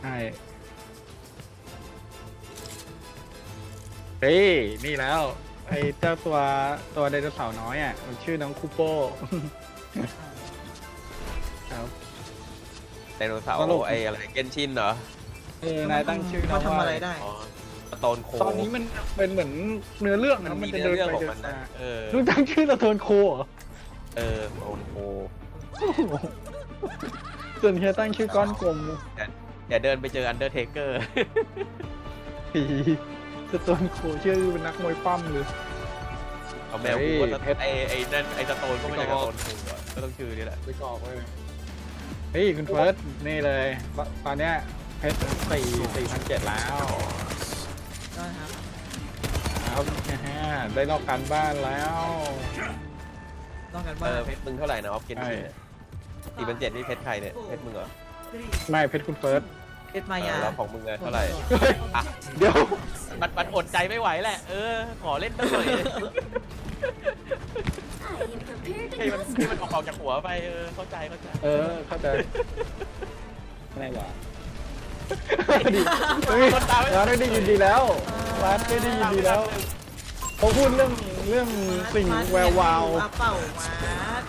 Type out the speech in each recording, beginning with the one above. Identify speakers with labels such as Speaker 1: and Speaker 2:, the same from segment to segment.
Speaker 1: ใช่เฮ้ยนี่แล้วไอ้เจ้าตัวไดโนเสาร์น้อยอ่ะมันชื่อน้องคูโป้ครับ
Speaker 2: ไดโนเสาร์
Speaker 1: ตลก
Speaker 2: ไอ้อะไรเกนชินเหรอ
Speaker 1: นายตั้งชื่อน้
Speaker 3: มา
Speaker 1: อง
Speaker 3: ทำ
Speaker 1: ว่า
Speaker 3: อะไรได้
Speaker 2: อ๋อสโตนโค
Speaker 1: ตอนนี้มันเป็นเหมือนเนื้อเรื่อง
Speaker 2: มัน
Speaker 1: นะ
Speaker 2: มี
Speaker 1: จะ
Speaker 2: เนื้อ
Speaker 1: เดิน
Speaker 2: เรื่อง
Speaker 1: ไป
Speaker 2: ของ
Speaker 1: เดิ
Speaker 2: มัน
Speaker 1: น
Speaker 2: นะ
Speaker 1: มา
Speaker 2: ลู
Speaker 1: ลูกตั้งชื่อตะโทนโคเหรอ
Speaker 2: สโตนโค
Speaker 1: ส่วนเฮียตั้งชื่อก้อนกลม
Speaker 2: อย่าเดินไปเจออันเดอร์เทเกอร์
Speaker 1: ผีสโตนโคชื่อเป็นนักมวยปั้มเลย
Speaker 2: เอาแมว
Speaker 1: เฮ้
Speaker 2: กู
Speaker 1: ย
Speaker 2: ว่า
Speaker 1: เพชร
Speaker 2: ไอ้นั่นไอ้สโตนก็ไม่ใช่สโตนคูอะก็ต้องชื่อนี่แหละ
Speaker 1: ไปกรอกไว้เลยเฮ้ยคุณเฟิร์สนี่เลยตอนเนี้ยเพชร4,700แล้ว
Speaker 3: ได้ครับ
Speaker 1: ครับได้นอกการบ้านแล้ว
Speaker 3: ต้องกัน
Speaker 2: เอ
Speaker 3: บ้าน
Speaker 2: อเพชรมึงเท่าไหร่นะออฟเกน
Speaker 1: ใช่
Speaker 2: ชิน4,700นี่เพชรใครเนี่ยเพชรมึงเหรอ
Speaker 1: ไม่เพชรคุณเฟิร์ส
Speaker 3: เพชรมายา
Speaker 2: แล้วของมึงอะเท่าไหร่อ่ะ
Speaker 1: เดี๋ยว
Speaker 2: มันอดใจไม่ไหวแหละขอเล่นตั้งหน่อยให้มันออกจากหัวไปเข้าใจ
Speaker 1: เข้าใจอะไรวะ
Speaker 2: คนตามไม่
Speaker 1: ร้านได้ยินดีแล้วร้านได้ยินดีแล้วเขาพูดเรื่องสิ่งแวววาว
Speaker 3: เป่ามาร์ท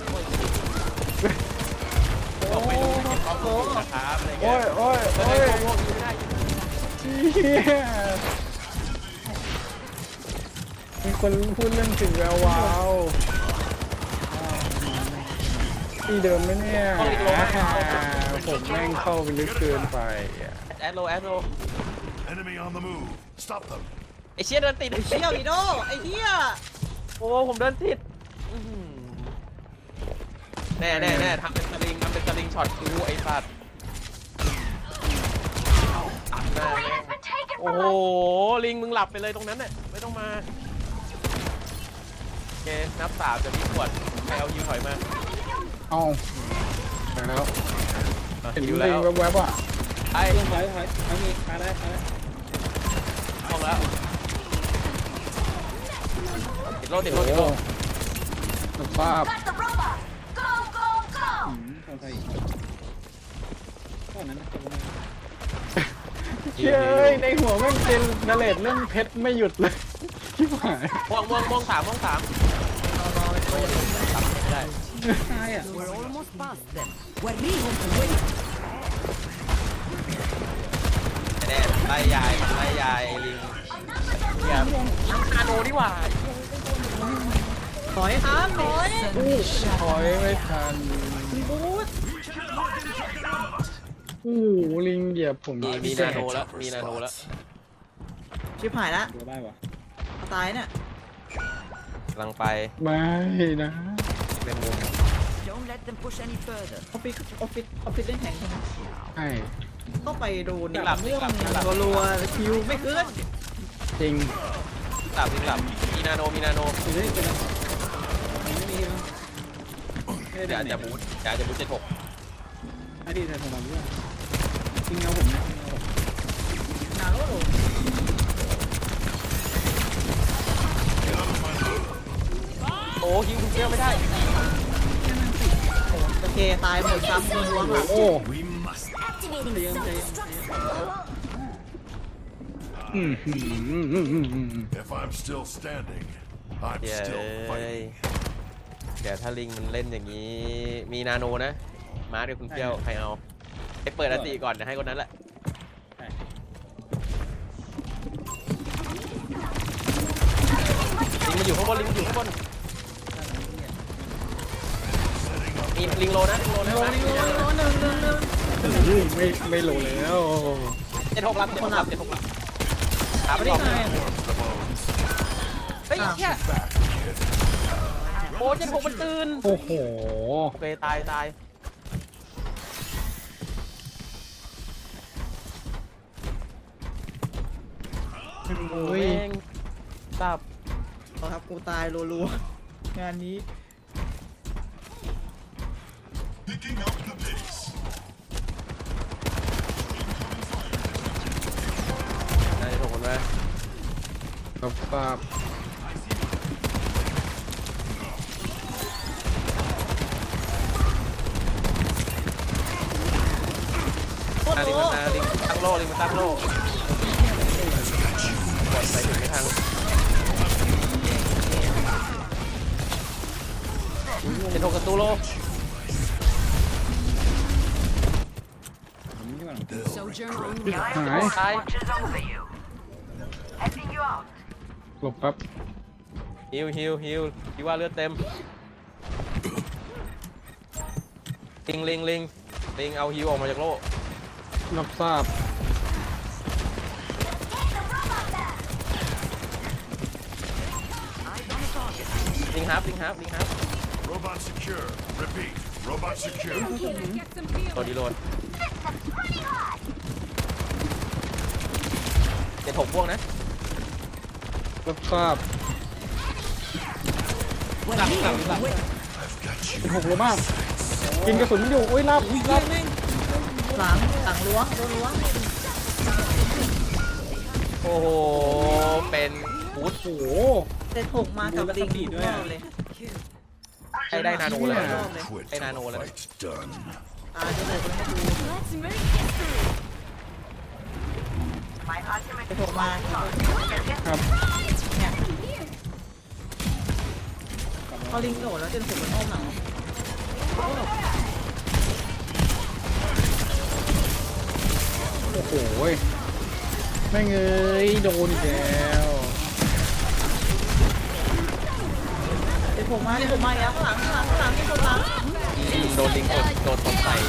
Speaker 2: บอกไม่รู้จะเก็บข้อมูลนะครับอะไรเงี้
Speaker 1: โอ้ย
Speaker 2: ย
Speaker 1: โอ้ย
Speaker 2: โอ้
Speaker 1: โอ้ย
Speaker 2: ยไม่ได้
Speaker 1: เหี้ยมีคนพูดเรื่องสิ่งแวววาวที่เดิมไหมเนี่ยผมแม่งเข้าไปลึกเกินไปอ่ะ
Speaker 2: แอดโล
Speaker 4: Enemy on the move. Stop them.
Speaker 2: ไอเชี่ยเดินติด
Speaker 3: ไอ้เชี่ยวอีโดไอ้เหี้ย
Speaker 2: โอ้ผมเดินติดแน่ทำเป็นสลิงช็อตกูไอ้สัตว์โอ้โหลิงมึงหลับไปเลยตรงนั้นน่ะไม่ต้องมาโอเคนับ3จะมีขวดใครเอายิวถอยมา
Speaker 1: เอาไปแล้วเห็น
Speaker 2: ยิ
Speaker 1: ลิ
Speaker 2: ว
Speaker 1: ง
Speaker 2: แล้ว
Speaker 1: แวบๆอ่ะ
Speaker 2: ไอ้
Speaker 1: ถอยเอามีมาได้
Speaker 2: ห้องแล้วติดโล
Speaker 1: โอ้โหสภาพ เชื่อเอ้ยในหัวแม่งเป็นนาเลดเรื่องเพชรไม่หยุดเลยชิบหาย
Speaker 2: ม่วง3ไม่ได้
Speaker 1: ใช่อ่ะ
Speaker 5: We're almost past them. وريهم قوتك.
Speaker 2: แน่ไล่ยายลิงเนี่ยนาโนนี่หว่า
Speaker 3: ถอยครับถอย
Speaker 1: ถอยไม่ทัน
Speaker 3: บูท
Speaker 1: โอ้โหลิงเหยียบผม
Speaker 2: มีนาโนแล้ว
Speaker 3: ชิบหายละ
Speaker 1: ได้ปะ
Speaker 3: ตายเนี่ย
Speaker 2: กำลังไป
Speaker 1: ไม่นะ
Speaker 2: เป็นมุม
Speaker 5: Don't let them push any further.
Speaker 3: ออฟฟิศเล่นแข่งใช่ไหม
Speaker 1: ใช่
Speaker 3: ก็ไปโดนเรื่องรัวๆคิวไม่ขึ้น
Speaker 1: จริง
Speaker 2: หลับมีนาโนเดี๋ยวจะบูท76
Speaker 1: ไม่ดีแต่ผมแบบว่าจริงเอาผมนะ
Speaker 3: นาโร่
Speaker 2: โอ้ฮิวคุณเกลียวไม่ได้
Speaker 3: โอเคตายหมดซ้ำรัวๆค่ะ
Speaker 1: โอ้
Speaker 4: We must.
Speaker 1: อืม
Speaker 4: If I'm still standing, I'm
Speaker 2: เดี๋ยว
Speaker 4: still fighting.
Speaker 2: เดี๋ยวถ้าลิงมันเล่นอย่างนี้ มีนาโนนะมาด้วยคุณเกลียวใครเอาไปเปิดอติก่อนเดี๋ยวให้คนนั้นแหละลิงมันอยู่ข้างบนมีลิงโลนะ
Speaker 3: โลหนึ่ง
Speaker 1: ไม่โหลแล้ว
Speaker 2: 76 รับถามไปดิ
Speaker 3: ไม่ได้ไง
Speaker 2: เฮ้ยเชี่ยโอ้76มันตื่น
Speaker 1: โอ้โห
Speaker 2: โอเคตาย
Speaker 1: โอ้ย
Speaker 2: แม่งสับ
Speaker 3: ครับกูตายรัวๆงานนี้
Speaker 4: Picking up the pace.
Speaker 2: น่าจะถูกคนไหม
Speaker 1: ครับภาพ
Speaker 2: ลิงมันมาลิงตั้งโล่ลิงมันตั้งโล่กดไปถึงไม่ทันจะโทรกระตูโล
Speaker 1: หาย
Speaker 2: ตาย
Speaker 1: หลบแป๊บ
Speaker 2: ฮิวคิดว่าเลือดเต็มลิงเอาฮิวออกมาจากโล่
Speaker 1: รับทราบ
Speaker 2: ลิงฮับ
Speaker 4: Robot secure. Repeat. Robot secure.
Speaker 2: ตัวดีโหลดจะถกพวกนะ
Speaker 1: รับทราบ
Speaker 5: We're rehomed from within.
Speaker 4: I've got you.
Speaker 1: เป็นหกโลมาก กินกระสุนมันอยู่ โอ้ยรับ
Speaker 3: หลังล้วงโดนล้วง
Speaker 2: โอ้โหเป็นฟูด
Speaker 1: โอ้โห
Speaker 3: เซ็ตหกมากับลิงรอบเลย
Speaker 2: ใช้ได้นาโนเลย
Speaker 3: รอบเลย
Speaker 4: Quit
Speaker 2: Hey,
Speaker 4: till
Speaker 2: Nano,
Speaker 4: the
Speaker 2: let
Speaker 4: fight's done.
Speaker 3: จะเซ็ตไม่ดู
Speaker 6: Let's make history.
Speaker 3: เซ็ตหกมา
Speaker 1: ครับ
Speaker 3: เนี่ยพอลิงโดดแล้วเซ็ตหกมันอ้อมหลัง
Speaker 1: โอ้โหแม่งเอ้ยโดนอีกแล้ว
Speaker 3: เซ็ตหกมาเซ็ตหกมาอีกแล้วข้างหลังมีคนหลัง
Speaker 2: โดนลิงกดโดนตบใส่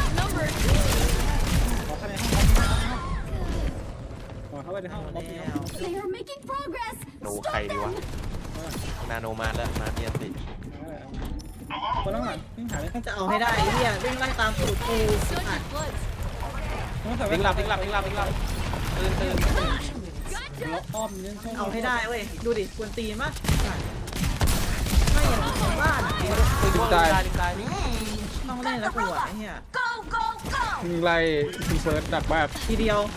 Speaker 1: เข้าไปในห้อง
Speaker 3: แล้ว
Speaker 6: They are making progress.
Speaker 2: โนใครดีวะนาโนมาแล้วมาเนียนสิ
Speaker 1: คนข้างหลังวิ่งหาเลย
Speaker 3: จะเอาให้ได้ไอ้เหี้ยวิ่งไล่ตามสูตรกูอ่ะ
Speaker 2: ลิงหลับตื่น
Speaker 1: อ้อมนี่
Speaker 3: เอาให้ได้เว้ยดูดิควรตีนปะไม่อย่างของบ้านอ่ะ
Speaker 2: ลิงตาย
Speaker 3: ต้องเล่นแล้วกูอ่ะไอ้เหี้ย
Speaker 6: Go, go, go.
Speaker 1: ยิงไล่ทีเฟิร์สดักแบบ
Speaker 3: ทีเดียว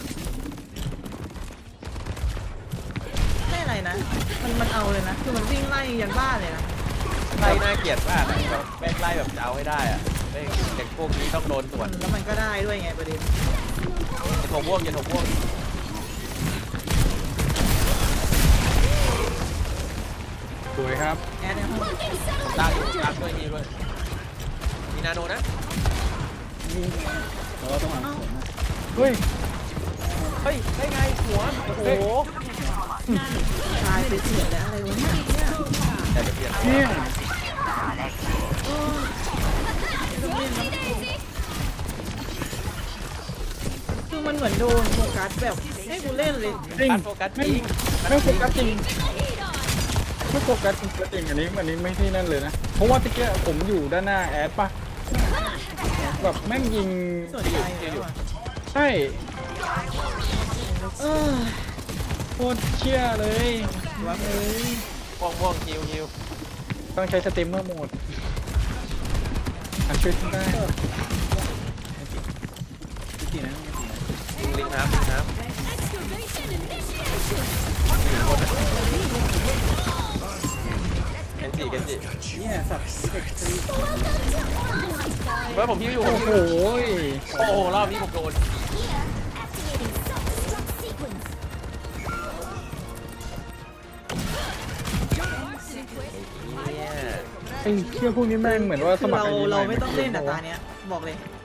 Speaker 3: ไม่อะไรนะมันเอาเลยนะคือมันวิ่งไล่ยันบ้านเลยนะ
Speaker 2: ไล่น่าเกลียดมากแบบแม่งไล่แบบจะเอาให้ได้อะเด็กพวกนี้ต้องโดนสวน
Speaker 3: แล้วมันก็ได้ด้วยไงประเด็น
Speaker 2: อย่าถกพวก
Speaker 1: สวยครับ
Speaker 3: แอดในห้อง
Speaker 2: ลากด้วยนี่ด้วยมีนาโนนะ
Speaker 1: เราต้องหาเฮ้ย
Speaker 2: เฮ้ยได้ไงหัวโอ้โห
Speaker 3: ตายไปเสียแล้วอะไรวะเนี่ย
Speaker 2: แต่จะเปลี่ยน
Speaker 1: เนี่ย
Speaker 3: คือมันเหมือนโดนโฟกัสแบบให้กูเล่นเลย
Speaker 1: จริง
Speaker 2: การโฟกัสจริง
Speaker 1: ไม่โฟกัสจริงไม่โฟกัสจริงอันนี้ไม่ที่นั่นเลยนะ เพราะว่าตะเกียผมอยู่ด้านหน้าแอดป่ะแบบแม่งยิง
Speaker 3: สนใจแล้วอ่ะ
Speaker 1: ใช่โคตรเชี่ยเลย
Speaker 3: ว่าเฮ้ย
Speaker 2: ม่วงฮิว
Speaker 1: ต้องใช้สตรีมเมอร์โหมดช่วยขึ้นได้
Speaker 2: ลิงน้ำ
Speaker 6: Excavation initiated.
Speaker 2: เคนจิ
Speaker 3: เนี่ยสับเด็กตี
Speaker 2: เฮ้ยผมฮิวอยู่
Speaker 1: โอ้โห
Speaker 2: โอ้โหรอบนี้ผมโดน
Speaker 6: Activating self-destruct sequence.
Speaker 2: เนี่ย
Speaker 1: ไอ้เชี่ยพวกนี้แม่งเหมือนว่าสมัคร
Speaker 3: เรา
Speaker 1: ไอ้นี่
Speaker 3: เรา
Speaker 1: ให
Speaker 3: ไม่ต้องเล่นอ่ะตาเนี้ยบอกเลย